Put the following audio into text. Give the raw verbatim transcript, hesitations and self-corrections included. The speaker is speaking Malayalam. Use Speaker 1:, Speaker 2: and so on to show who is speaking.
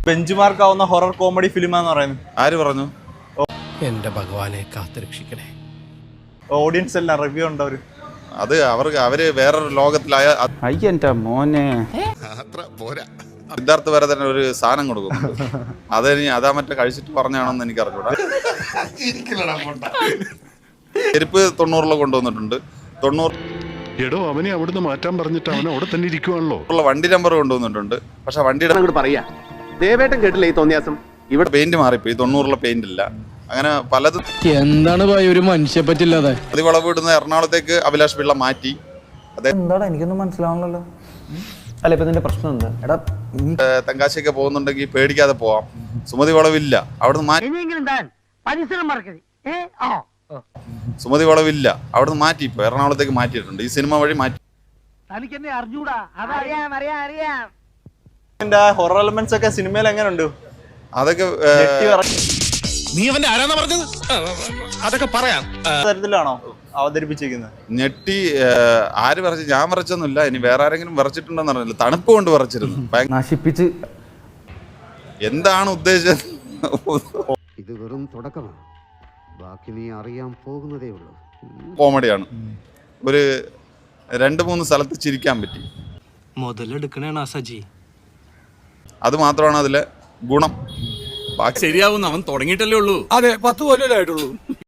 Speaker 1: ബെഞ്ച് മാർക്ക് ആവുന്ന ഹൊറർ കോമഡി ഫിലിമാന്ന് പറയുന്നത്.
Speaker 2: ആര് പറഞ്ഞു?
Speaker 3: എന്റെ ഭഗവാനെ കാത്തുരക്ഷിക്കണേ.
Speaker 1: ഓഡിയൻസ് എല്ലാം റിവ്യൂ ഉണ്ട് അവര്.
Speaker 2: അത് അവർക്ക് അവര് വേറൊരു ലോകത്തിലായ
Speaker 4: അയ്യന്റെ മോനെ
Speaker 2: സിദ്ധാർത്ഥ് വരെ തന്നെ ഒരു സാധനം കൊടുക്കുന്നു. അതിനി അതാ മറ്റേ കഴിച്ചിട്ട് പറഞ്ഞാണെന്ന് എനിക്ക് അറിഞ്ഞൂടാ. ചെരുപ്പ് തൊണ്ണൂറില് കൊണ്ടുവന്നിട്ടുണ്ട്. തൊണ്ണൂറ്
Speaker 5: എടോ അവനെ അവിടുന്ന് മാറ്റാൻ പറഞ്ഞിട്ട് അവൻ അവിടെ തന്നെ ഇരിക്കുവാണല്ലോ.
Speaker 2: വണ്ടി നമ്പർ കൊണ്ടുവന്നിട്ടുണ്ട്. പക്ഷെ വണ്ടിയുടെ
Speaker 6: പറയാ ദേവേട്ടൻ കേട്ടില്ല ഈ തോന്നിയാസം.
Speaker 2: ഇവിടെ പെയിന്റ് മാറിപ്പോയി. തൊണ്ണൂറിലെ പെയിന്റ് ഇല്ല. അങ്ങനെ പലതും.
Speaker 3: എന്താണ് ഭായി ഒരു മനുഷ്യ പറ്റില്ലാതെ.
Speaker 2: അതിവളവ് ഇടുന്ന എറണാകുളത്തേക്ക് അഭിലാഷ് പിള്ള മാറ്റി.
Speaker 4: എന്താടാ എനിക്കൊന്നും മനസ്സിലാവണല്ലോ. അല്ല ഇപ്പൊ ഇതിന്റെ പ്രശ്നം എന്താ? എടാ
Speaker 2: തെങ്കാശിയൊക്കെ പോകുന്നുണ്ടെങ്കിൽ പേടിക്കാതെ പോവാം. സുമതി വളവില്ല, അവിടുന്ന് മാറ്റി. സുമതി വളവില്ല, അവിടുന്ന് മാറ്റി. ഇപ്പൊ എറണാകുളത്തേക്ക് മാറ്റിയിട്ടുണ്ട്. ഈ സിനിമ വഴി മാറ്റി.
Speaker 1: ഹൊറർ എലമെന്റ്സ് ഒക്കെ സിനിമയിൽ എങ്ങനെയുണ്ട്?
Speaker 2: അതൊക്കെ
Speaker 3: നീ അവന്റെ ആരാന്നാ പറഞ്ഞത്? അതൊക്കെ പറയാം.
Speaker 1: തരത്തിലാണോ അവതരിപ്പിച്ചിരിക്കുന്നത്?
Speaker 2: ഞെട്ടി. ആര് വരച്ചു? ഞാൻ വരച്ചൊന്നുമില്ല. ഇനി വേറെ ആരെങ്കിലും വരച്ചിട്ടുണ്ടെന്ന് അറിയില്ല. തണുപ്പ് കൊണ്ട് വരച്ചിരുന്നു.
Speaker 4: നശിപ്പിച്ച്.
Speaker 2: എന്താണ് ഉദ്ദേശിച്ചത്?
Speaker 7: ഇത് വെറും തുടക്കമാണ്. ബാക്കി നീ അറിയാൻ പോകുന്നതേ ഉള്ളൂ.
Speaker 2: കോമഡിയാണ്. ഒരു രണ്ട് മൂന്ന് സ്ഥലത്ത് ചിരിക്കാൻ പറ്റി.
Speaker 3: മുതലെടുക്കണേണ സജി.
Speaker 2: അത് മാത്രമാണ് അതിലെ ഗുണം. ബാക്കി
Speaker 8: ശരിയാവുന്ന അവൻ തുടങ്ങിയിട്ടല്ലേ ഉള്ളൂ.
Speaker 3: അതെ, പത്ത് കൊല്ലമായിട്ടുള്ളൂ.